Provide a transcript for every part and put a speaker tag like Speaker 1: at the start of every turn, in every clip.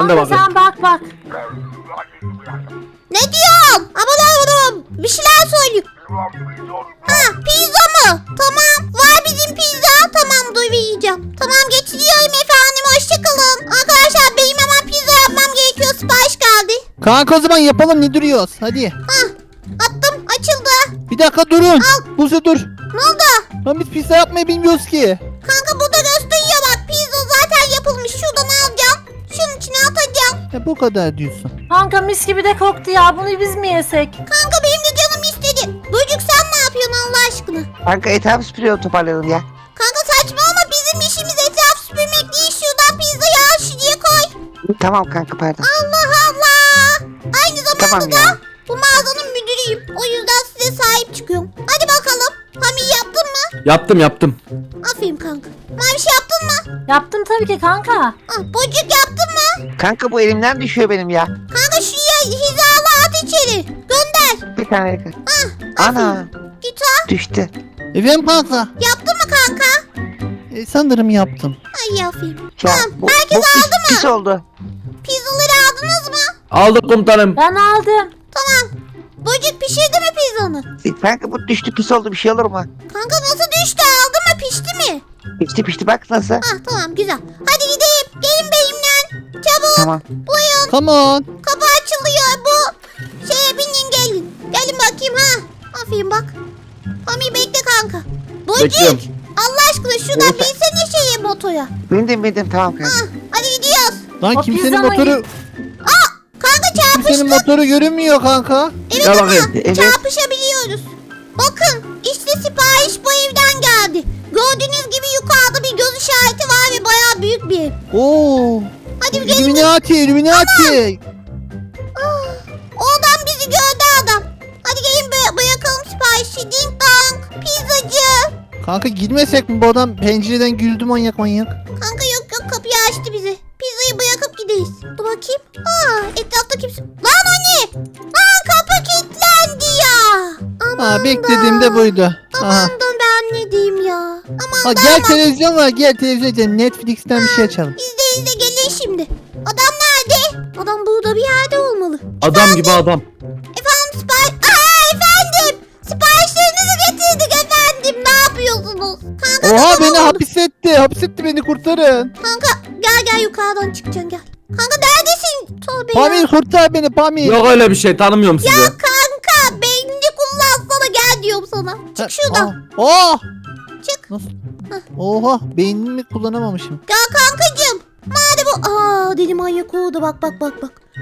Speaker 1: Ben de bakayım.
Speaker 2: Sen bak.
Speaker 3: Ne diyorsun? Aman bir şeyler söylüyor. Ha, pizza mı? Tamam, var bizim pizza. Tamam, dur yiyeceğim. Tamam, getiriyorum efendim, hoşçakalın. Arkadaşlar benim hemen pizza yapmam gerekiyor, sipariş geldi.
Speaker 4: Kanka o zaman yapalım, ne duruyoruz? Hadi.
Speaker 3: Hah, attım, açıldı.
Speaker 4: Bir dakika durun. Buse dur.
Speaker 3: Ne oldu?
Speaker 4: Lan biz pizza yapmayı bilmiyoruz ki.
Speaker 3: Kanka burada gösteriyor bak, pizza zaten yapılmış. Şuradan alacağım. Şunun içine atacağım.
Speaker 4: Ya bu kadar diyorsun.
Speaker 2: Kanka mis gibi de koktu ya. Bunu biz mi yesek?
Speaker 3: Kanka benim de canım istedi. Böcük sen ne yapıyorsun Allah aşkına?
Speaker 5: Kanka etrafı süpürüyor, toparlayalım ya.
Speaker 3: Kanka saçmalama, bizim işimiz etraf süpürmek değil. Şuradan pizzayı al, şuraya koy.
Speaker 5: Tamam kanka, pardon.
Speaker 3: Allah Allah. Aynı zamanda
Speaker 5: Tamam
Speaker 3: da
Speaker 5: ya.
Speaker 3: bu mağazanın müdürüyüm. O yüzden size sahip çıkıyorum. Hadi bakalım. Hami yaptın mı?
Speaker 1: Yaptım.
Speaker 3: Aferin kanka. Maviş yaptın mı?
Speaker 2: Yaptım tabii ki kanka.
Speaker 3: Ah, Bocuk yaptın mı?
Speaker 5: Kanka bu elimden düşüyor benim ya.
Speaker 3: Kanka şuraya hizalı at içeri. Gönder.
Speaker 5: Bir tane yakın.
Speaker 3: Ah,
Speaker 5: Ana,
Speaker 3: git ha.
Speaker 5: düştü.
Speaker 4: Efendim kanka.
Speaker 3: Yaptın mı kanka?
Speaker 4: Sanırım yaptım.
Speaker 3: Ay aferin.
Speaker 5: Ya,
Speaker 3: Tamam,
Speaker 5: bu
Speaker 3: herkes
Speaker 5: pis,
Speaker 3: aldı mı?
Speaker 5: pis oldu.
Speaker 3: Pizzaları aldınız mı?
Speaker 1: Aldık komutanım.
Speaker 2: Ben aldım.
Speaker 3: Tamam. Bocuk pişirdi mi pizzanı?
Speaker 5: Kanka bu düştü, pis oldu, bir şey olur mu?
Speaker 3: Kanka nasıl düştü, aldı mı, pişti mi?
Speaker 5: Pişti bak nasıl.
Speaker 3: Ah tamam, güzel. Hadi gidelim. Gelin benimle. Çabuk.
Speaker 5: Tamam.
Speaker 3: Buyurun.
Speaker 4: Come on.
Speaker 3: Kapı açılıyor. Bu şeye binin, gelin. Gelin bakayım ha. Aferin bak. Mami bekle kanka.
Speaker 1: Bekliyorum.
Speaker 3: Bocuk. Allah aşkına şuradan binsene şeye, motoya.
Speaker 5: Bindim, tamam kanka.
Speaker 3: Ah, hadi gidiyoruz.
Speaker 4: Lan
Speaker 2: O
Speaker 4: kimsenin
Speaker 2: pizza mı
Speaker 4: motoru
Speaker 3: Kanka
Speaker 4: kimsenin
Speaker 3: çarpıştık.
Speaker 4: motoru görünmüyor kanka.
Speaker 3: Evet
Speaker 1: Gel
Speaker 3: ama
Speaker 1: bakayım.
Speaker 5: Evet.
Speaker 3: çarpışabiliyoruz. Bakın işte sipariş bu evden geldi. Gördüğünüz gibi yukarıda bir göz işareti var ve bayağı büyük bir ev.
Speaker 4: Oo.
Speaker 3: Hadi bir gelin.
Speaker 4: Illuminati.
Speaker 3: Oradan bizi gördü adam. Hadi gelin bırakalım siparişi. Ding dong. Pizzacı.
Speaker 4: Kanka girmesek mi, bu adam pencereden güldü manyak.
Speaker 3: Kanka yok kapıyı açtı bize. Pizzayı bırakıp gideyiz. Dur bakayım. Etrafta kimse. Lan o ne? Lan kapı kilitlendi ya. Aman
Speaker 4: Ha, beklediğim de buydu. Aha.
Speaker 3: Aman da ben ne diyeyim ya. Aman
Speaker 4: Ha,
Speaker 3: da
Speaker 4: gel
Speaker 3: aman.
Speaker 4: televizyon var, gel televizyon izleyelim. Netflix'ten bir şey açalım.
Speaker 3: İzle gelin şimdi. Adam nerede? Adam burada bir yerde olmalı.
Speaker 1: Adam gibi adam.
Speaker 3: Efendim efendim. Siparişlerinizi getirdik efendim. Ne yapıyorsunuz? Kanka
Speaker 4: Oha,
Speaker 3: tamam
Speaker 4: beni
Speaker 3: oldu.
Speaker 4: hapsetti, beni kurtarın.
Speaker 3: Kanka gel yukarıdan çıkacaksın gel. Kanka neredesin? Tövbe ya.
Speaker 4: Pamir kurtar beni, Pamir.
Speaker 1: Yok öyle bir şey, tanımıyorum sizi.
Speaker 3: Ya kanka beynini kullansana, gel diyorum sana. Çık şuradan.
Speaker 4: Oh.
Speaker 3: Çık.
Speaker 4: Nasıl? Oha, beynimi kullanamamışım.
Speaker 3: Gel kankacığım. Madem bu... deli manyak oldu, bak. Bak.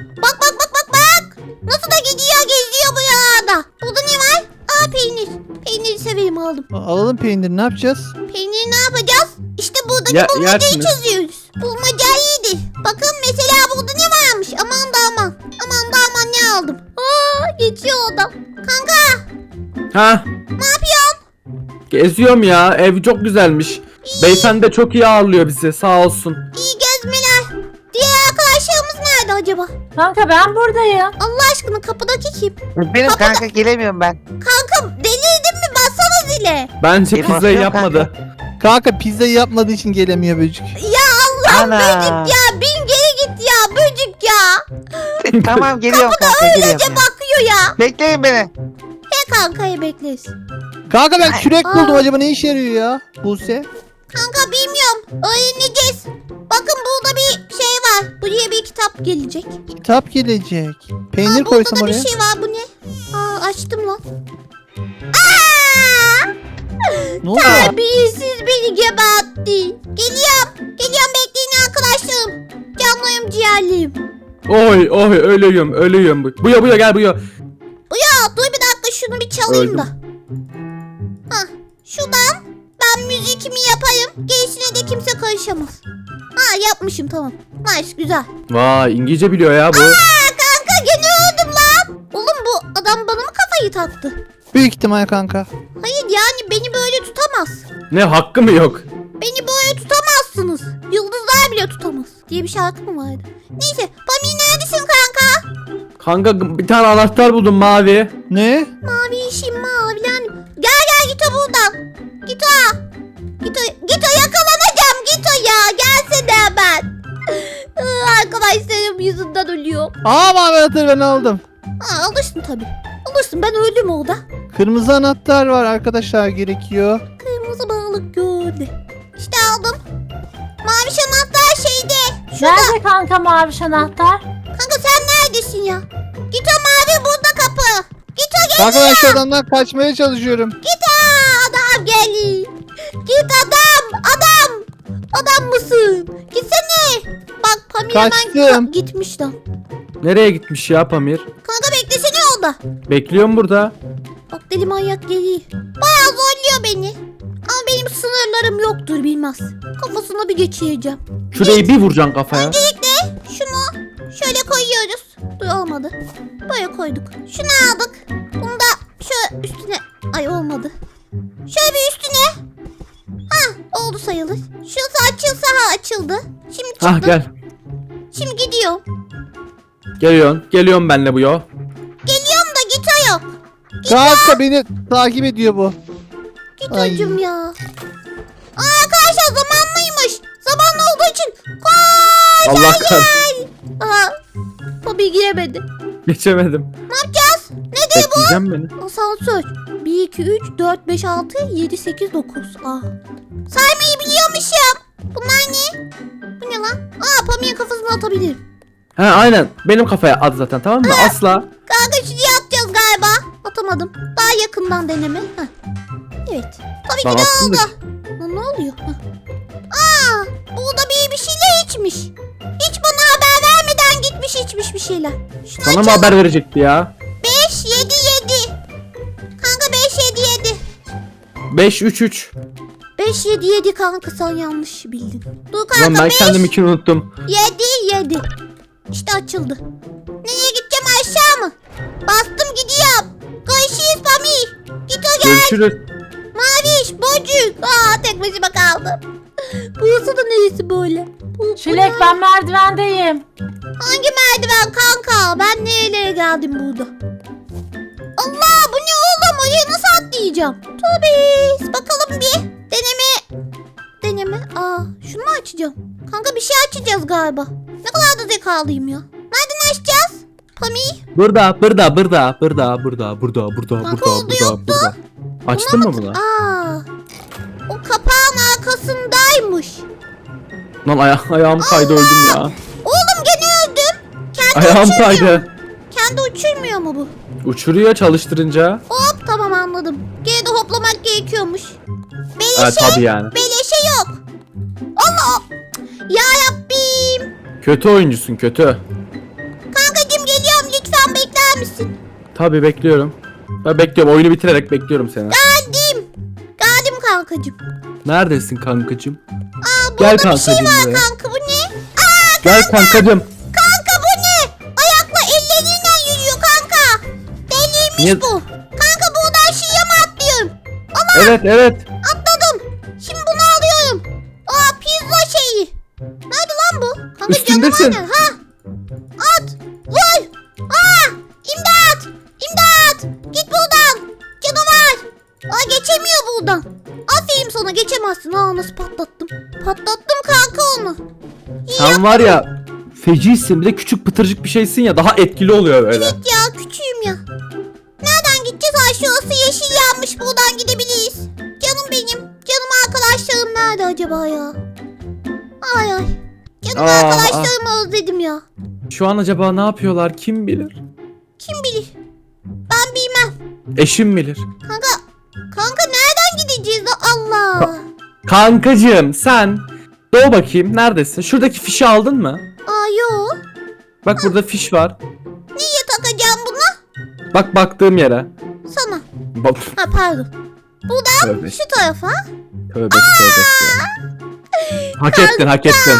Speaker 3: Nasıl da gidiyor, geziyor bu yağda. Burada ne var? Peynir. Peyniri severim, aldım.
Speaker 4: Alalım peynir, ne yapacağız?
Speaker 3: Peyniri ne yapacağız? İşte buradaki
Speaker 1: Ya-
Speaker 3: bulmacayı
Speaker 1: yersiniz.
Speaker 3: çözüyoruz. Bulmaca iyidir. Bakın mesela burada ne varmış? Aman da aman. Aman da aman, ne aldım? Geçiyor adam. Kanka
Speaker 1: Ha?
Speaker 3: ne yapıyorsun?
Speaker 1: Geziyorum ya. Ev çok güzelmiş. Beyefendi de çok iyi ağırlıyor bizi. Sağ olsun.
Speaker 3: İyi gezmeler. Diğer arkadaşlarımız nerede acaba?
Speaker 2: Kanka ben buradayım.
Speaker 3: Allah aşkına kapıdaki kim?
Speaker 5: Benim kanka, gelemiyorum ben.
Speaker 3: Kanka delirdin mi? Bassana zile.
Speaker 1: Bence
Speaker 5: Benim
Speaker 1: pizzayı
Speaker 5: aklım
Speaker 1: yapmadı.
Speaker 4: Kanka pizzayı yapmadığı için gelemiyor böcük.
Speaker 3: Ya Allah,
Speaker 5: Ana.
Speaker 3: böcük ya. Bin geri git ya böcük ya.
Speaker 5: Tamam, geliyorum kanka,
Speaker 3: Öylece
Speaker 5: geliyorum.
Speaker 3: bakıyor ya.
Speaker 5: Bekleyin beni.
Speaker 3: He kankayı bekleriz.
Speaker 4: Kanka ben kürek
Speaker 3: Aa.
Speaker 4: buldum, acaba ne işe yarıyor ya Buse?
Speaker 3: Kanka bilmiyorum. Öğreneceğiz. Bakın burada bir şey var. Buraya bir kitap gelecek.
Speaker 4: Kitap gelecek. Peynir
Speaker 3: Burada
Speaker 4: koysam
Speaker 3: da
Speaker 4: oraya.
Speaker 3: bir şey var. Bu ne? Açtım lan. Aa!
Speaker 4: Ne oldu?
Speaker 3: Terbiyesiz beni gebertti. Geliyorum bekleyin arkadaşlarım. Canlıyım, ciğerliyim.
Speaker 1: Oy ölüyorum. Buya gel buya.
Speaker 3: Bu ya, dur bir dakika, şunu bir çalayım
Speaker 1: Öldüm.
Speaker 3: da. Şuradan ben müzikimi yaparım. Gerisine de kimse karışamaz. Yapmışım, tamam. Nice, güzel.
Speaker 1: Vay, İngilizce biliyor ya bu.
Speaker 3: Kanka gene öldüm lan. Oğlum bu adam bana mı kafayı taktı?
Speaker 4: Büyük ihtimal kanka.
Speaker 3: Hayır yani beni böyle tutamaz.
Speaker 1: Ne, hakkı mı yok?
Speaker 3: Beni böyle tutamazsınız. Yıldızlar bile tutamaz diye bir şarkı mı vardı? Neyse, Pami neredesin kanka?
Speaker 1: Kanka bir tane anahtar buldum, mavi.
Speaker 4: Ne?
Speaker 3: Mavi işim mavilen. Gel git o buradan. Git o yakalanacağım, git o ya. Gelsene hemen. Arkadaşlarım
Speaker 4: Aa mavi anahtarı ben aldım.
Speaker 3: Ha, alırsın tabii. Alırsın, ben öldüm orada.
Speaker 4: Kırmızı anahtar var arkadaşlar, gerekiyor.
Speaker 3: Kırmızı balık gördü. İşte aldım. Mavi anahtar şeyde. Şurada.
Speaker 2: Nerede kanka maviş anahtar?
Speaker 3: Kanka sen neredesin ya? Git o mavi burada kapı. Git o gel.
Speaker 4: Kanka ben şu adamdan kaçmaya çalışıyorum.
Speaker 3: Git adam gel. Git adam. Adam. Adam mısın? Gitsene. Bak Pamir hemen
Speaker 4: Kaçtım.
Speaker 3: gitmiş lan.
Speaker 1: Nereye gitmiş ya Pamir?
Speaker 3: Kanka beklesene orada.
Speaker 1: Bekliyorum burada.
Speaker 3: Bak deli manyak geliyor. Bayağı zorluyor beni. Ama benim sınırlarım yoktur bilmez. Kafasına bir geçireceğim.
Speaker 1: Şurayı bir vuracaksın kafaya.
Speaker 3: Öncelikle şunu şöyle koyuyoruz. Dur olmadı. Böyle koyduk. Şunu aldık. Bunu da şöyle üstüne. Ay olmadı. Şöyle bir üstüne. Ha oldu sayılır. Şurası açılsa ha açıldı. Şimdi çıktı.
Speaker 1: Hah gel.
Speaker 3: Şimdi gidiyorum.
Speaker 1: Geliyorsun. Geliyorum benle bu yo.
Speaker 3: Geliyorum da git o yok.
Speaker 4: Kanka beni takip ediyor bu.
Speaker 3: Git
Speaker 4: Ay.
Speaker 3: hocam ya. Aa, arkadaşlar zamanlıymış. Zamanlı olduğu için. Koş.
Speaker 1: Allah kahretsin.
Speaker 3: Aha. Tabii giremedi.
Speaker 1: Geçemedim.
Speaker 3: Ne yapacağız? Nedir bu?
Speaker 1: Bekleyeceğim beni.
Speaker 3: Asansör. 1, 2, 3, 4, 5, 6, 7, 8, 9. Ah. Saymayı biliyormuşum. Bunlar ne? Bu ne lan? Aa Pamir'in kafasına atabilirim.
Speaker 1: He aynen. Benim kafaya at zaten tamam mı? Asla.
Speaker 3: Kanka şuraya atacağız galiba. Atamadım. Daha yakından deneme. Heh. Evet. Tabii
Speaker 1: Lan
Speaker 3: ki de
Speaker 1: attın
Speaker 3: oldu.
Speaker 1: da-
Speaker 3: Lan ne oluyor? Heh. Aa, burada bir şeyler içmiş. Hiç bana haber vermeden gitmiş içmiş bir şeyler. Şunu
Speaker 1: Sana mı
Speaker 3: açalım.
Speaker 1: haber verecekti ya?
Speaker 3: 5, 7, 7. Kanka 5, 7, 7.
Speaker 1: 5-3-3.
Speaker 3: 5, 7, 7 kanka sen yanlış bildin. Dur
Speaker 1: Ulan
Speaker 3: kanka
Speaker 1: ben
Speaker 3: 5,
Speaker 1: kendiminkini unuttum.
Speaker 3: 7, 7. İşte açıldı. Nereye gideceğim aşağı mı? Bastım gidiyorum. Görüşürüz Pamir. Git o gel.
Speaker 1: Görüşürüz.
Speaker 3: Maviş, bocuk. Aa tek başıma kaldım. Burası da neresi böyle? Bu
Speaker 2: Çilek
Speaker 3: ne?
Speaker 2: ben merdivendeyim.
Speaker 3: Hangi merdiven kanka? Ben nerelere geldim burada? Allah bu ne oğlum? Oraya nasıl atlayacağım? Tobis. Bakalım bir. Deneme. Aa şunu mu açacağım? Kanka bir şey açacağız galiba. Ne kadar da zekalıyım ya. Nereden açacağız? Pamir.
Speaker 1: Burada.
Speaker 3: oldu, yoktu.
Speaker 1: Açtın mı bunu?
Speaker 3: Aa. O kapağın arkasındaymış.
Speaker 1: Lan ayağım kaydı öldüm ya.
Speaker 3: Oğlum gene öldüm. Kendi
Speaker 1: Ayağım
Speaker 3: uçurmuyor.
Speaker 1: kaydı.
Speaker 3: Kendi uçurmuyor mu bu?
Speaker 1: Uçuruyor çalıştırınca.
Speaker 3: Hop tamam anladım. Gene de hoplamak gerekiyormuş.
Speaker 1: Ha
Speaker 3: Beleşe,
Speaker 1: tabii yani.
Speaker 3: beleşe yok. Allah. Ya Rabbim.
Speaker 1: Kötü oyuncusun kötü.
Speaker 3: Kankacığım geliyorum lütfen bekler misin?
Speaker 1: Tabii bekliyorum. Ben bekliyorum. Oyunu bitirerek bekliyorum seni.
Speaker 3: Geldim. Geldim kankacığım.
Speaker 1: Neredesin kankacığım?
Speaker 3: Aa burada
Speaker 1: Gel
Speaker 3: bir şey
Speaker 1: kankacığım
Speaker 3: var
Speaker 1: buraya.
Speaker 3: kanka bu ne? Aa
Speaker 1: Gel kankacığım.
Speaker 3: kanka bu ne? Ayakla elleriyle yürüyor kanka. Deliymiş
Speaker 1: Niye-
Speaker 3: bu. Kanka buradan şuraya mı atlıyorum?
Speaker 1: Evet.
Speaker 3: Atladım. Şimdi bunu alıyorum. Aa pizza şeyi. Nerede lan bu? Kanka
Speaker 1: Üstündesin.
Speaker 3: canavar ne? Ha. At. Vur. Aa imdat. İmdat. Git buradan. Canavar. Aa geçemiyor buradan. Aferin sana geçemezsin. Aa nasıl patlattım. Patlattım kanka onu.
Speaker 1: Sen var ya fecisin. Bir de küçük pıtırcık bir şeysin ya. Daha etkili oluyor böyle.
Speaker 3: Ya küçüğüm ya. Nereden gideceğiz? Ay şurası yeşil yanmış. Buradan gidebiliriz. Canım benim. Canım arkadaşlarım nerede acaba ya? Ay ay. Canım
Speaker 1: Aa,
Speaker 3: arkadaşlarımı özledim ya.
Speaker 1: Şu an acaba ne yapıyorlar kim bilir?
Speaker 3: Kim bilir? Ben bilmem.
Speaker 1: Eşim bilir.
Speaker 3: Kanka nereden gideceğiz? Allah.
Speaker 1: Kankacığım sen doğu bakayım neredesin? Şuradaki fişi aldın mı?
Speaker 3: Aa yo.
Speaker 1: Bak burada fiş var.
Speaker 3: Niye takacağım bunu?
Speaker 1: Bak baktığım yere.
Speaker 3: Sana.
Speaker 1: Bak.
Speaker 3: Ha pardon. Buradan
Speaker 1: Tövbe.
Speaker 3: şu tarafa.
Speaker 1: Tövbe ya. Hak ettin hak ettin.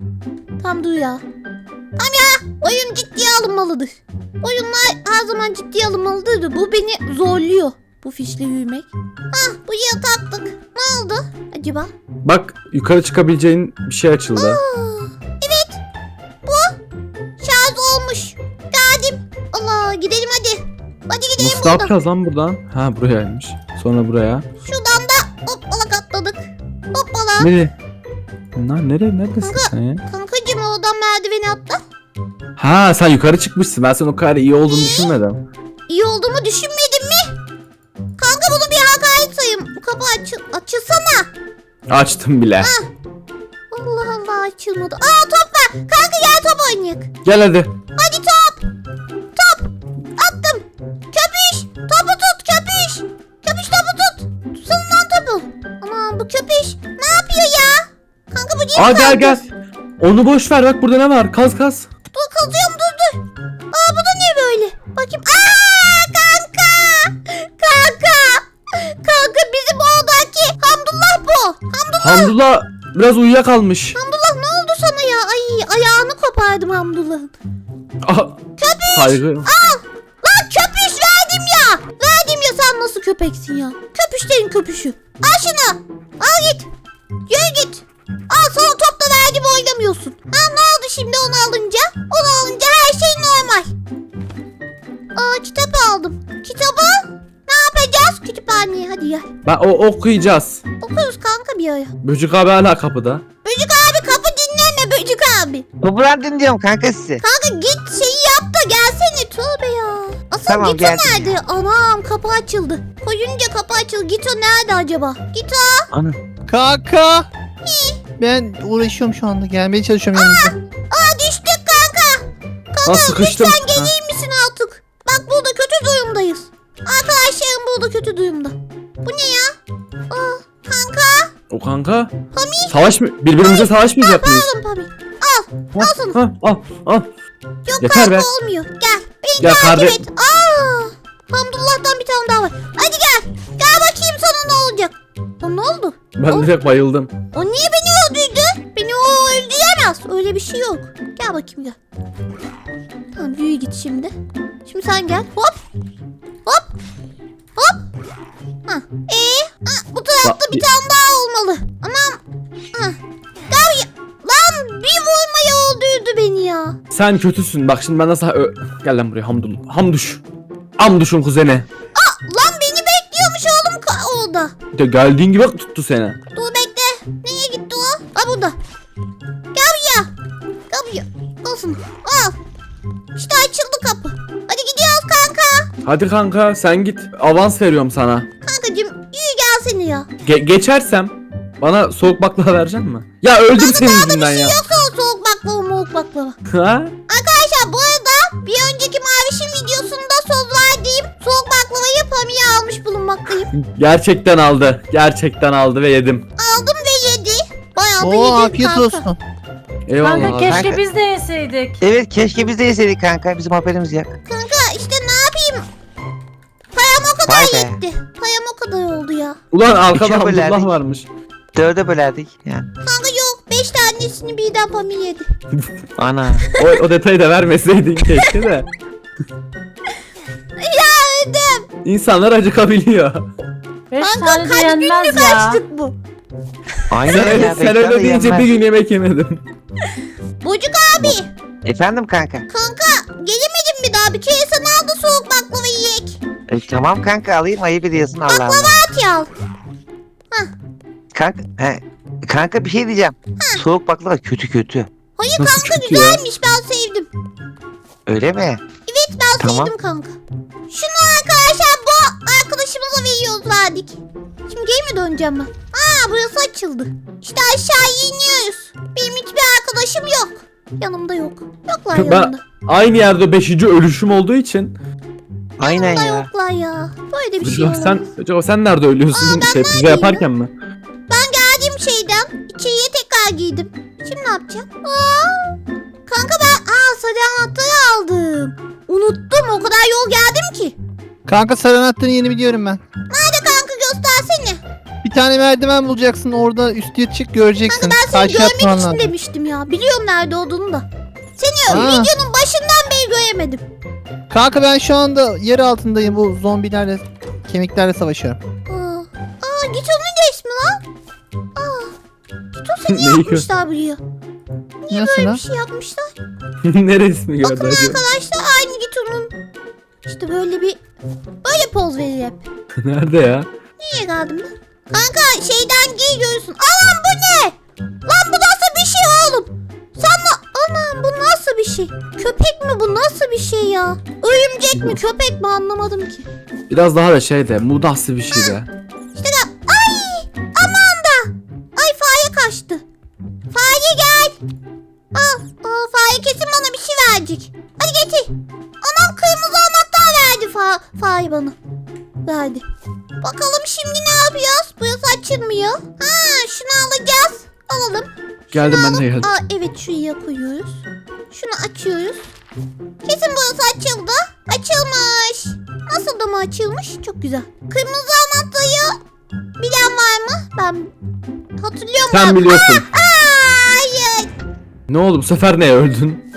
Speaker 3: Tam dur ya. Tam ya. Oyun ciddiye alınmalıdır. Oyunlar her zaman ciddiye alınmalıdır da bu beni zorluyor. Bu fişle yürümek. Hah buraya taktık. Ne oldu acaba?
Speaker 1: Bak yukarı çıkabileceğin bir şey açıldı.
Speaker 3: Aa, evet. Bu şarj olmuş. Geldim. Allah gidelim hadi. Hadi gidelim
Speaker 1: Nasıl
Speaker 3: buradan.
Speaker 1: yapacağız lan buradan? Ha burayaymış. Sonra buraya.
Speaker 3: Şuradan da hoppala atladık. Hoppala.
Speaker 1: Nereye? Lan neredesin
Speaker 3: Kanka.
Speaker 1: sen ya?
Speaker 3: Kankacım oradan merdiveni atla.
Speaker 1: Ha sen yukarı çıkmışsın. Ben senin o kadar iyi olduğunu düşünmedim.
Speaker 3: İyi olduğumu düşünmedin mi? Kanka bunu bir hakaret sayayım. Bu kapı açılsana.
Speaker 1: Açtım bile.
Speaker 3: Allah Allah açılmadı. Aa top var. Kanka gel top oynayalım.
Speaker 1: Gel hadi.
Speaker 3: Hadi top. Top. Attım. Köpüş. Topu tut köpüş. Köpüş topu tut. Tutsana lan topu. Aman bu köpüş. Ne yapıyor ya? Kanka bu niye
Speaker 1: Aa gel
Speaker 3: kaldı?
Speaker 1: gel. Onu boş ver bak burada ne var? Kaz kaz.
Speaker 3: Dur kazıyorum dur. Aa bu da ne böyle? Bakayım. Aa kanka. Kanka. Kanka bizim oradaki Hamdullah bu.
Speaker 1: Hamdullah biraz uyuyakalmış.
Speaker 3: Hamdullah ne oldu sana ya? Ay ayağını kopardım Hamdullah'ın.
Speaker 1: Aha, saygı.
Speaker 3: Lan köpüş verdim ya. Verdim ya sen nasıl köpeksin ya? Köpüşlerin köpüşü. Al şunu. Al git. Yürü git. Al sana top da verdim oynamıyorsun. Ha ne oldu şimdi onu alınca? Onu alınca her şey normal. Aa kitap aldım. Kitabı ne yapacağız? Kütüphaneye hadi gel.
Speaker 1: Ben okuyacağız.
Speaker 3: Okuruz kanka bir ara.
Speaker 1: Böcük abi hala kapıda.
Speaker 3: Böcük abi kapı dinleme Böcük abi.
Speaker 5: Topuran dinliyorum kanka sizi.
Speaker 3: Kanka git şeyi yap da gelsene tövbe ya. Asıl
Speaker 5: Tamam,
Speaker 3: Gito
Speaker 5: geldim
Speaker 3: nerede? Anam kapı açıldı. Koyunca kapı açıldı. Gito nerede acaba? Gito.
Speaker 5: Ana.
Speaker 4: Kanka. Ben uğraşıyorum şu anda. Gelmeye çalışıyorum yanınıza.
Speaker 3: Aa düştük kanka.
Speaker 1: Ha sıkıştım.
Speaker 3: Sen gelir misin artık? Bak burada kötü durumdayız. Arkadaşlarım burada kötü durumda. Bu ne ya? Aa kanka.
Speaker 1: O kanka. Savaş mı? Birbirimize savaşmayacak mıyız?
Speaker 3: Alın tabii. Al. Al sana.
Speaker 1: Ha, al.
Speaker 3: Yok
Speaker 1: Yeter
Speaker 3: kanka
Speaker 1: be.
Speaker 3: olmuyor. Gel. Beni
Speaker 1: Gel
Speaker 3: takip
Speaker 1: kardeş.
Speaker 3: et. Aa. Hamdullah'tan bir tane daha var. Hadi gel. Gel bakayım sana ne olacak. Lan ne oldu?
Speaker 1: Ben direkt bayıldım.
Speaker 3: O niye beni öldürdü? Beni o öldüremez. Öyle bir şey yok. Gel bakayım gel. Tamam yürü git şimdi. Şimdi sen gel. Hop. Hop. Hop. Ha. Bu tarafta bir tane daha olmalı. Anam. Ha. Gel ya. Lan bir vurmaya öldürdü beni ya.
Speaker 1: Sen kötüsün. Bak şimdi ben nasıl... Gel lan buraya Hamdullah. Hamduş. Hamduş'un kuzeni.
Speaker 3: Lan beni bekliyormuş oğlum orada.
Speaker 1: De geldiğin gibi tuttu seni.
Speaker 3: Dur bekle. Nereye gitti o? Ha burada. Gel buraya. Gel buraya. Olsun. Al. İşte açıldı kapı. Hadi gidiyoruz kanka.
Speaker 1: Hadi kanka sen git. Avans veriyorum sana.
Speaker 3: Kankacığım yürü gelsene ya.
Speaker 1: Geçersem bana soğuk baklava verecek mi? Ya öldüm senin yüzünden ya.
Speaker 3: Yoksa o soğuk baklava moğuk baklava.
Speaker 1: Ha?
Speaker 3: Arkadaşlar bu arada bir önceki Maviş'in videosunda söz verdiğim soğuk baklavayı Pami'ye almış bulunmaktayım.
Speaker 1: Gerçekten aldı. Gerçekten aldı ve yedim.
Speaker 3: Aldım ve yedi. Bayağı da
Speaker 4: Oo
Speaker 3: yedim
Speaker 4: afiyet
Speaker 3: kanka.
Speaker 4: olsun.
Speaker 1: Eyvallah.
Speaker 2: Kanka keşke
Speaker 5: Kanka.
Speaker 2: biz de yeseydik.
Speaker 5: Evet keşke biz de yeseydik kanka. Bizim haberimiz yok.
Speaker 3: Kanka işte ne yapayım? Param o kadar
Speaker 5: Vay be.
Speaker 3: yetti. Param o kadar oldu ya.
Speaker 1: Ulan arkada
Speaker 5: İkiye
Speaker 1: Hamdullah
Speaker 5: bölerdik.
Speaker 1: varmış.
Speaker 5: 4'e bölerdik yani.
Speaker 3: Kanka yok 5 tanesini birden Pami yedi.
Speaker 5: Ana.
Speaker 1: O detayı da vermeseydin keşke de.
Speaker 3: Ya öldüm.
Speaker 1: İnsanlar acıkabiliyor.
Speaker 2: 5
Speaker 3: Kanka
Speaker 2: tane de
Speaker 3: kaç
Speaker 2: yenmez
Speaker 3: günlük
Speaker 2: ya.
Speaker 3: açtık bu.
Speaker 5: Aynen
Speaker 1: Sen,
Speaker 5: öyle.
Speaker 1: sen öyle deyince bir gün yemek yemedim.
Speaker 3: Bocuk abi.
Speaker 5: Efendim kanka.
Speaker 3: Kanka gelemedim mi daha? Bir kere sen al da soğuk baklava yiyek.
Speaker 5: Tamam kanka alayım ayıp ediyorsun Allah Allah.
Speaker 3: At ya.
Speaker 5: Kanka bir şey diyeceğim. Soğuk baklava kötü.
Speaker 3: Hayır
Speaker 1: Nasıl
Speaker 3: kanka
Speaker 1: kötü ya?
Speaker 3: güzelmiş ben sevdim.
Speaker 5: Öyle mi?
Speaker 3: Evet ben
Speaker 5: Tamam.
Speaker 3: sevdim kanka. Şunu arkadaşlar bu arkadaşımıza veriyoruz verdik. Şimdi geri mi döneceğim ben? Aa burası açıldı. İşte aşağı iniyoruz. Benim hiçbir arkadaşım yok. Yanımda yok. Yoklar
Speaker 1: Ben
Speaker 3: yanımda.
Speaker 1: aynı yerde 5. ölüşüm olduğu için.
Speaker 5: Aynen
Speaker 3: Yanımda
Speaker 5: ya.
Speaker 3: yoklar ya. Böyle bir şey
Speaker 1: Acaba
Speaker 3: olamaz.
Speaker 1: sen nerede ölüyorsun? Pizza
Speaker 3: neredeyim
Speaker 1: yaparken mi?
Speaker 3: Ben geldiğim şeyden içeriye tekrar giydim. Şimdi ne yapacağım? Aa, kanka ben sarı anahtarı aldım. Unuttum o kadar yol geldim ki.
Speaker 4: Kanka sarı anahtarını yeni biliyorum ben.
Speaker 3: Nerede kanka göstersene.
Speaker 4: Bir tane merdiven bulacaksın orada üstüne çık göreceksin.
Speaker 3: Kanka ben seni
Speaker 4: Karşı
Speaker 3: görmek
Speaker 4: atman
Speaker 3: için
Speaker 4: lazım.
Speaker 3: demiştim ya. Biliyorum nerede olduğunu da. Seni
Speaker 4: Aa.
Speaker 3: videonun başından beri göremedim.
Speaker 4: Kanka ben şu anda yer altındayım bu zombilerle kemiklerle savaşıyorum.
Speaker 3: Git onun resmi lan. Git o seni
Speaker 1: Neyi
Speaker 3: yapmışlar buraya. Niye
Speaker 4: Nasıl
Speaker 3: böyle
Speaker 4: lan?
Speaker 3: bir şey yapmışlar?
Speaker 1: Neresini gördü
Speaker 3: Bakın
Speaker 1: acaba?
Speaker 3: arkadaşlar aynı git onun. İşte böyle poz verir hep.
Speaker 1: Nerede ya?
Speaker 3: Niye geldim ben? Kanka şeyden giy görürsün. Anam bu ne? Lan bu nasıl bir şey oğlum? Anam bu nasıl bir şey? Köpek şey ya. Örümcek mi köpek mi anlamadım ki.
Speaker 1: Biraz daha da şey de mudahsı bir şey de.
Speaker 3: İşte de ay aman da. Ay fare kaçtı. Fare gel. Al fare kesin bana bir şey verecek. Hadi getir. Anam kırmızı anahtar verdi fare bana. Verdi. Bakalım şimdi ne yapacağız? Burası açılmıyor. Şunu alacağız. Alalım.
Speaker 1: Geldim ben de geldim.
Speaker 3: Evet şuraya koyuyoruz. Şunu açıyoruz. Kesin burası açıldı. Açılmış. Nasıl da mı açılmış? Çok güzel. Kırmızı anahtarı bilen var mı? Ben hatırlıyorum.
Speaker 1: Sen biliyorsun.
Speaker 3: Hayır.
Speaker 1: Ne oldu bu sefer neye öldün?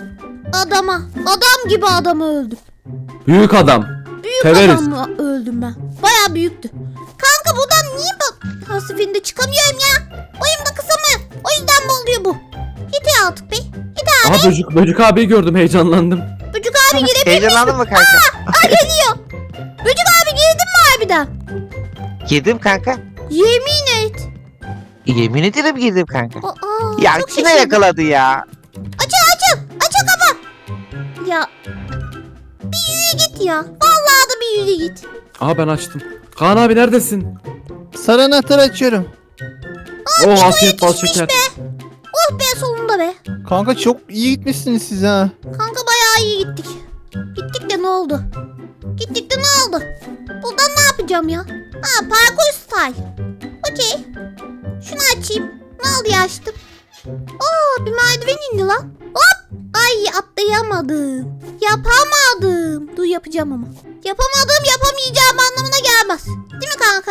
Speaker 3: Adam gibi adamı öldüm.
Speaker 1: Büyük adam.
Speaker 3: Büyük
Speaker 1: Severiz.
Speaker 3: adamı öldüm ben. Bayağı büyüktü. Kanka buradan niye her seferinde çıkamıyorum ya? Boyum da kısa mı? O yüzden mi oluyor bu? Git ya artık be. Git abi.
Speaker 1: Aha böcük abiyi gördüm, heyecanlandım.
Speaker 3: Böcük abi girebilir misin?
Speaker 5: Heyecanlandın mı kanka?
Speaker 3: Geliyor. Böcük abi girdin mi harbiden?
Speaker 5: Girdim kanka.
Speaker 3: Yemin et.
Speaker 5: Yemin ederim girdim kanka.
Speaker 3: çok
Speaker 5: Ya kime
Speaker 3: şaşırdım.
Speaker 5: yakaladı ya?
Speaker 3: Açıl kafa. Ya. Bir yürü git ya. Vallahi da bir yürü git.
Speaker 1: Aha ben açtım. Kaan abi neredesin?
Speaker 4: Sarı anahtarı açıyorum.
Speaker 1: Oh afiyet bal
Speaker 3: yetişmiş
Speaker 1: şeker.
Speaker 3: be. Oh be sonunda be.
Speaker 4: Kanka çok iyi gitmişsiniz siz ha.
Speaker 3: Kanka bayağı iyi gittik. Gittik de ne oldu? Gittik de ne oldu? Buradan ne yapacağım ya? Parkur style. Okey. Şunu açayım. Ne oldu ya açtım. Bir merdiven indi lan. Hop. Ay atlayamadım. Yapamadım. Dur yapacağım ama. Yapamayacağım anlamına gelmez. Değil mi kanka?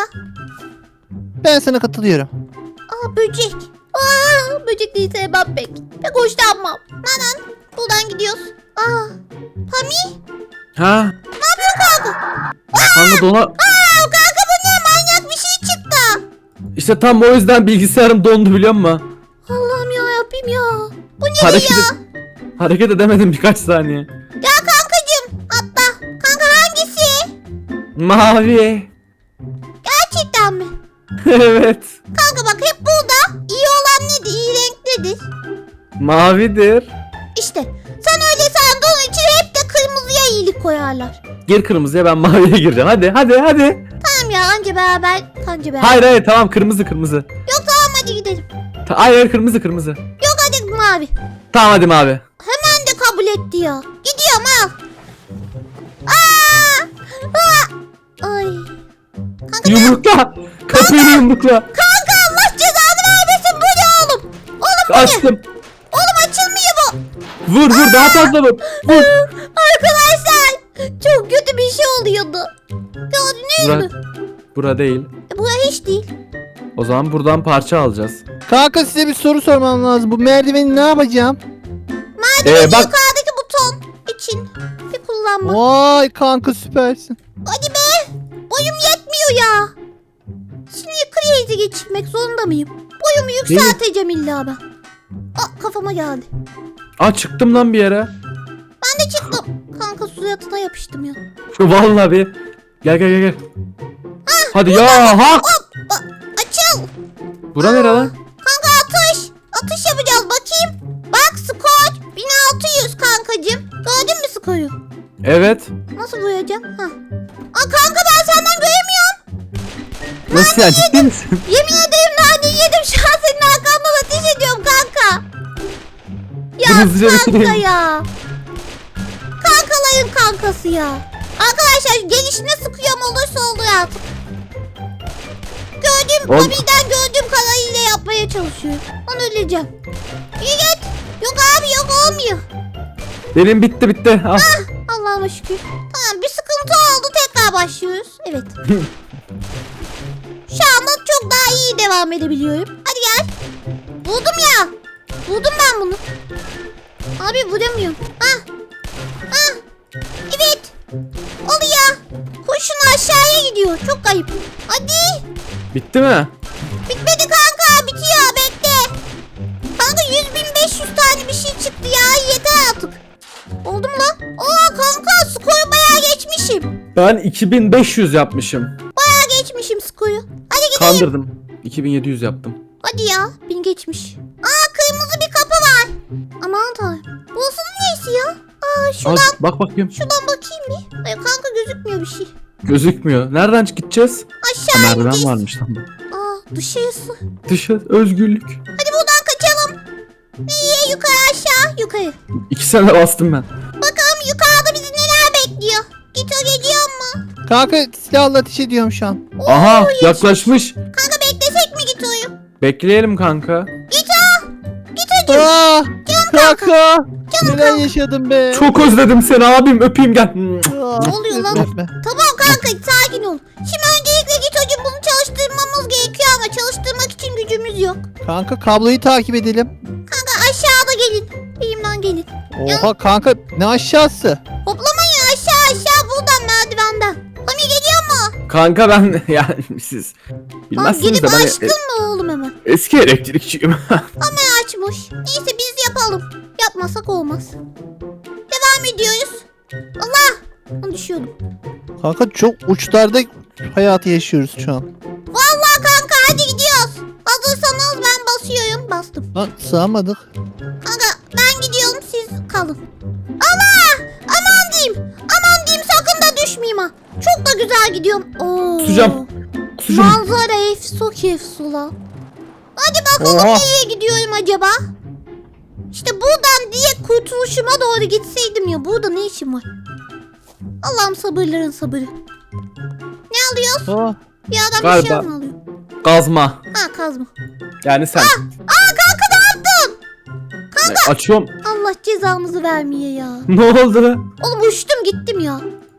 Speaker 4: Ben sana katılıyorum.
Speaker 3: Böcek. Böcek değil sevmem pek. Pek hoşlanmam. Nanan. Buradan gidiyoruz. Pami.
Speaker 1: Ha?
Speaker 3: Ne yapıyorsun kanka?
Speaker 1: Kanka
Speaker 3: Kanka bu ne manyak bir şey çıktı.
Speaker 1: İşte tam o yüzden bilgisayarım dondu biliyor musun?
Speaker 3: Allah'ım ya yapayım ya. Bu ne
Speaker 1: Hareket,
Speaker 3: ya?
Speaker 1: hareket edemedim birkaç saniye.
Speaker 3: Ya kankacım atla. Kanka hangisi?
Speaker 1: Mavi.
Speaker 3: Gerçekten mi?
Speaker 1: Evet.
Speaker 3: Kanka bak hep burada. İyi olan nedir? İyi renk nedir?
Speaker 1: Mavidir.
Speaker 3: İşte sen öyle sandığın için hep de kırmızıya iyilik koyarlar.
Speaker 1: Gir kırmızıya, ben maviye gireceğim. Hadi.
Speaker 3: Tamam ya anca beraber.
Speaker 1: Hayır tamam, kırmızı.
Speaker 3: Yok tamam hadi gidelim.
Speaker 1: Hayır kırmızı.
Speaker 3: Yok hadi mavi.
Speaker 1: Tamam hadi mavi.
Speaker 3: Hemen de kabul etti ya. Gidiyorum al. Ay. Kanka
Speaker 1: Yumrukla. Kapıyı yumrukla.
Speaker 3: Kanka Allah cezanı vermesin bu ne oğlum? Oğlum bu ne?
Speaker 1: Açtım.
Speaker 3: Oğlum açılmıyor bu.
Speaker 1: Vur daha fazla vur. Vur.
Speaker 3: Arkadaşlar çok kötü bir şey oluyordu. Gördünüz mü?
Speaker 1: Bura değil.
Speaker 3: Bura hiç değil.
Speaker 1: O zaman buradan parça alacağız.
Speaker 4: Kanka size bir soru sormam lazım. Bu merdiveni ne yapacağım?
Speaker 1: Bak.
Speaker 3: Yukarıdaki buton için bir kullanma.
Speaker 4: Vay kanka süpersin.
Speaker 3: Hadi be. Boyum yetmiyor ya. Şimdi crazy geçirmek zorunda mıyım? Boyumu yükselteceğim illa ben. Kafama geldi.
Speaker 1: Çıktım lan bir yere.
Speaker 3: Ben de çıktım. Kanka suratına yapıştım ya.
Speaker 1: Vallahi bir. Gel. Hadi ya hak.
Speaker 3: Açıl.
Speaker 1: Bura nere lan?
Speaker 3: Kanka atış. Atış yapacağız bakayım. Bak skor 1600 kankacım. Gördün mü skoru?
Speaker 1: Evet.
Speaker 3: Nasıl boyayacağım? Kanka ben senden göremiyorum.
Speaker 1: Nasıl ya, ciddi misin?
Speaker 3: Yemin ederim nane yedim. Şu an senin arkandan ateş ediyorum kanka. Ya
Speaker 1: Hızlıca
Speaker 3: kanka
Speaker 1: bitireyim.
Speaker 3: ya. Kankaların kankası ya. Arkadaşlar gelişine sıkıyorum olursa olur artık. Bobby'den gördüğüm kadarıyla yapmaya çalışıyorum. Ben öleceğim. İyi git. Yok abi yok olmuyor.
Speaker 1: Benim bitti. Al.
Speaker 3: Allah'ıma şükür. Tamam bir sıkıntı oldu tekrar başlıyoruz. Evet. Şu anda çok daha iyi devam edebiliyorum. Hadi gel. Buldum ya. Buldum ben bunu. Abi bulamıyorum. Evet. Oluyor. Kurşun aşağıya gidiyor. Çok ayıp. Hadi.
Speaker 1: Bitti mi?
Speaker 3: Bitmedi kanka. Bitiyor. Bekle. Kanka 100.500 tane bir şey çıktı ya. Yeter artık. Oldu mu lan? Kanka skoru bayağı geçmişim.
Speaker 1: Ben 2500 yapmışım.
Speaker 3: Bayağı geçmişim skoru. Hadi gidelim.
Speaker 1: Kandırdım. 2700 yaptım.
Speaker 3: Hadi ya. 1000 geçmiş. Kırmızı bir kapı var. Aman tanrım. Burası da neyse ya?
Speaker 1: Al, bak bakayım.
Speaker 3: Şuradan bakayım bir. Ay kanka gözükmüyor bir şey.
Speaker 1: Gözükmüyor. Nereden gideceğiz?
Speaker 3: Aşağı
Speaker 1: Merdiven
Speaker 3: ineceğiz.
Speaker 1: varmış tamam.
Speaker 3: Aa dışarısı.
Speaker 1: Dışarı özgürlük.
Speaker 3: Hadi buradan kaçalım. Nereye? Yukarı aşağı. Yukarı.
Speaker 1: 2 sene bastım ben.
Speaker 3: Bakalım yukarıda bizi neler bekliyor. Gito geliyor mu?
Speaker 4: Kanka silahla ateş ediyorum şu an.
Speaker 1: Aha yaklaşmış.
Speaker 3: Kanka beklesek mi Gito'yu?
Speaker 1: Bekleyelim kanka.
Speaker 3: Gito'cum.
Speaker 4: Aa, kanka. Neler yaşadım be.
Speaker 1: Çok özledim seni abim öpeyim gel.
Speaker 3: Ne oluyor lan?
Speaker 4: Öpme.
Speaker 3: Tamam kanka sakin ol. Şimdi öncelikle Gito'cum bunu çalıştırmamız gerekiyor ama çalıştırmak için gücümüz yok.
Speaker 4: Kanka kabloyu takip edelim.
Speaker 3: Kanka aşağıda gelin. Benimden gelin.
Speaker 4: Oha kanka ne aşağısı?
Speaker 3: Hoplamayın aşağı buradan merdivenden. Pami geliyor mu?
Speaker 1: Kanka ben yani siz
Speaker 3: Tamam
Speaker 1: bilmezsiniz
Speaker 3: gelip
Speaker 1: de ben
Speaker 3: açtın mı oğlum hemen?
Speaker 1: eski elektrikçiyim.
Speaker 3: Hemen açmış. Neyse biz yapalım. Yapmasak olmaz. Devam ediyoruz. Allah! Onu düşüyordum.
Speaker 4: Kanka çok uçlarda hayatı yaşıyoruz şu an.
Speaker 3: Vallahi kanka hadi gidiyoruz. Hazırsanız ben basıyorum. Bastım.
Speaker 4: Lan sığamadık.
Speaker 3: Kanka ben gidiyorum siz kalın. Allah! Aman diyeyim. Aman diyeyim sakın da düşmeyeyim ha. Çok da güzel gidiyorum. Oo.
Speaker 1: Kusacağım. Kusacağım.
Speaker 3: Manzara efsula. Hadi bakalım
Speaker 4: Oha.
Speaker 3: nereye gidiyorum acaba? İşte buradan diye kurtuluşuma doğru gitseydim ya. Burada ne işim var? Allah'ım sabırların sabırı. Ne alıyoruz?
Speaker 4: Aa,
Speaker 3: Bir adam bir
Speaker 1: Galiba.
Speaker 3: şey mi alıyor?
Speaker 1: Gazma.
Speaker 3: Ha kazma.
Speaker 1: Yani sen.
Speaker 3: Aa kanka ne yaptın?
Speaker 1: Açıyorum.
Speaker 3: Allah cezamızı vermeye ya.
Speaker 1: Ne oldu?
Speaker 3: Oğlum uçtum gittim ya.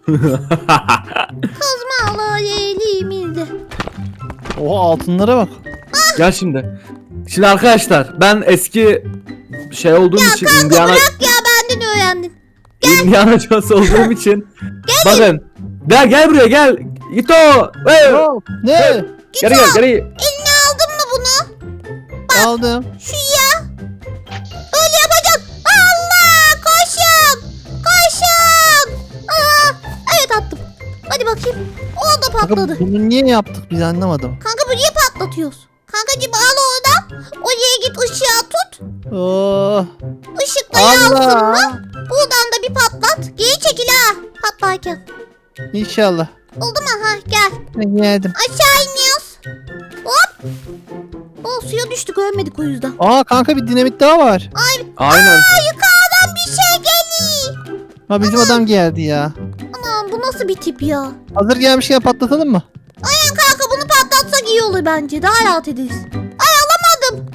Speaker 3: Kazma elimizde.
Speaker 4: oha altınlara bak.
Speaker 1: Gel şimdi. Şimdi arkadaşlar ben eski şey olduğum için Indiana
Speaker 3: Bırak ya benden öğrendin.
Speaker 1: Indiana Jones olduğum için bakın. Gel buraya gel. Git o.
Speaker 4: Ne?
Speaker 1: Geri.
Speaker 3: Eline aldın mı bunu?
Speaker 4: Aldım.
Speaker 3: Şu ya. Öyle yapacaksın. Allah koşun. Koşun. Aa, evet attım. Hadi bakayım. O da
Speaker 4: Kanka
Speaker 3: patladı.
Speaker 4: bunu niye yaptık biz anlamadım.
Speaker 3: Kanka bu niye patlatıyoruz? Kankacığım al oradan. Oraya git ışığa tut.
Speaker 4: Oh.
Speaker 3: Işıkla yansın
Speaker 4: Allah.
Speaker 3: mı? Buradan da bir patlat. Geri çekil ha. Patlarken.
Speaker 4: İnşallah.
Speaker 3: Oldu mu? Ha gel.
Speaker 4: Ben geldim.
Speaker 3: Aşağı iniyoruz. Hop. O suya düştük ölmedik o yüzden.
Speaker 4: Aa kanka bir dinamit daha var.
Speaker 1: Aynen.
Speaker 3: Yukarıdan bir şey geliyor.
Speaker 4: Ha bizim adam geldi ya.
Speaker 3: Anam bu nasıl bir tip ya?
Speaker 4: Hazır gelmişken patlatalım mı?
Speaker 3: Aynen kanka bunu patlatsak iyi olur bence. Daha rahat ederiz. Ay alamadım.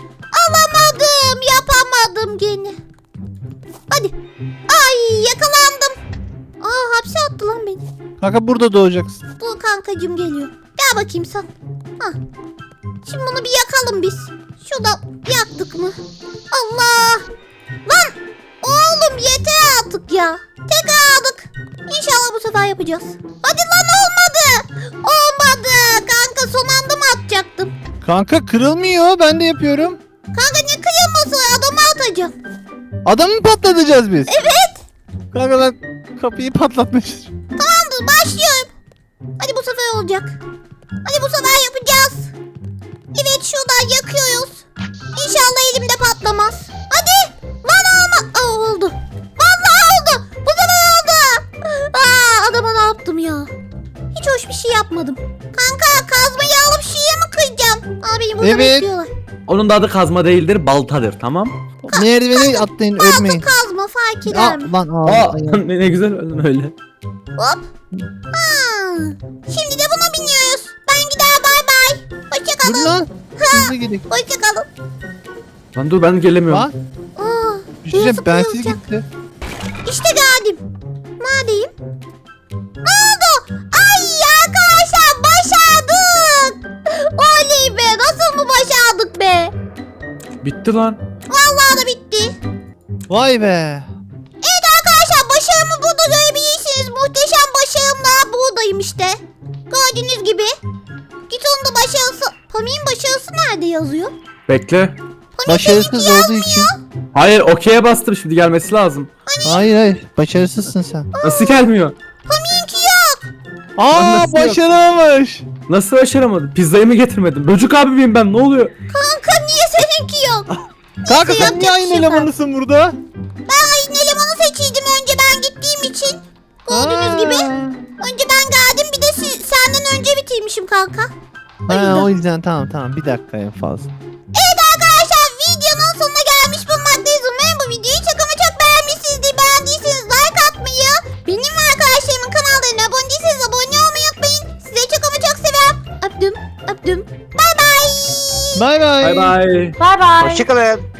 Speaker 3: Yapamadım gene. Hadi. Ay yakalandım. Aa hapse attı lan beni.
Speaker 4: Kanka burada doğacaksın.
Speaker 3: Dur kankacığım geliyor. Gel bakayım sen. Hah. Şimdi bunu bir yakalım biz. Şurada yaktık mı? Allah. Lan. Oğlum yeter artık ya. Tekrar aldık. İnşallah bu sefer yapacağız. Hadi lan olmadı. Olmadı. Kanka son anda mı atacaktım?
Speaker 4: Kanka kırılmıyor ben de yapıyorum.
Speaker 3: Kanka ne kıyılması adamı atacağım.
Speaker 4: Adamı mı patlatacağız biz? Evet. Kanka ben kapıyı patlatmışız.
Speaker 3: Tamamdır başlıyorum. Hadi bu sefer olacak. Hadi bu sefer yapacağız. Evet şuradan yakıyoruz. İnşallah elimde patlamaz. Hadi. Lan olma. Aa, oldu. Vallahi oldu. Bu sefer oldu. Aa, adama ne yaptım ya? Hiç hoş bir şey yapmadım. Kanka kazmayı alıp şuraya mı kıracağım? Aa beni burada
Speaker 4: Evet.
Speaker 3: bekliyorlar.
Speaker 1: Onun da adı kazma değildir, baltadır tamam?
Speaker 4: Merdiveni atlayın ölmeyin.
Speaker 3: Kazma fark eder
Speaker 4: Aa,
Speaker 3: mi?
Speaker 4: lan aa,
Speaker 1: Aa
Speaker 4: ayağım.
Speaker 1: ne güzel öldün öyle.
Speaker 3: Hop. Ha. Şimdi de buna biniyoruz. Ben gider bay bay.
Speaker 4: Dur
Speaker 3: Hoşçakalın.
Speaker 4: lan. Hızlı gidelim.
Speaker 3: Hoşçakalın.
Speaker 1: Lan dur ben gelemiyorum.
Speaker 4: Lan
Speaker 3: Aa,
Speaker 4: bir şey diyeceğim, bensiz
Speaker 3: zıplayacak.
Speaker 4: gitti.
Speaker 3: İşte geldim. Neredeyim? Ne oldu? Ay arkadaşlar başardık. Oley be nasıl mı başardık be?
Speaker 1: Bitti lan.
Speaker 3: Vallahi da bitti.
Speaker 4: Vay be.
Speaker 3: Evet arkadaşlar başarımı burada görebilirsiniz. Muhteşem başarımla buradayım işte. Gördüğünüz gibi. Git onun da başarısı. Pami'nin başarısı nerede yazıyor?
Speaker 1: Bekle.
Speaker 4: Başarısız olduğu için.
Speaker 1: Hayır okey'e bastım şimdi gelmesi lazım.
Speaker 4: Hayır başarısızsın sen.
Speaker 1: Nasıl gelmiyor?
Speaker 3: Pami'ninki yok.
Speaker 4: Aa
Speaker 1: nasıl yok?
Speaker 4: başaramamış.
Speaker 1: Nasıl başaramadım? Pizzayı mı getirmedim? Böcük abi miyim ben? Ne oluyor?
Speaker 3: Kanka niye seninki yok?
Speaker 4: Kanka sen
Speaker 3: yapacak
Speaker 4: niye
Speaker 3: bir
Speaker 4: aynı
Speaker 3: şey yok.
Speaker 4: elemanısın burada?
Speaker 3: Ben ayın elemanı seçiydim önce ben için. Gördüğünüz gibi. Önce ben geldim, bir de senden önce bitirmişim kanka.
Speaker 4: O yüzden tamam bir dakika en fazla.
Speaker 3: Evet arkadaşlar, videonun sonuna gelmiş bulunmaktayız. Umarım bu videoyu çok ama çok beğenmişsinizdir. Beğendiyseniz like atmayı, benim ve arkadaşlarımın kanallarına abone değilseniz abone olmayı unutmayın. Size çok ama çok seviyorum. Öptüm. Bay bay.
Speaker 4: Bay bay.
Speaker 1: Bay bay.
Speaker 2: Bay bay.
Speaker 5: Hoşçakalın.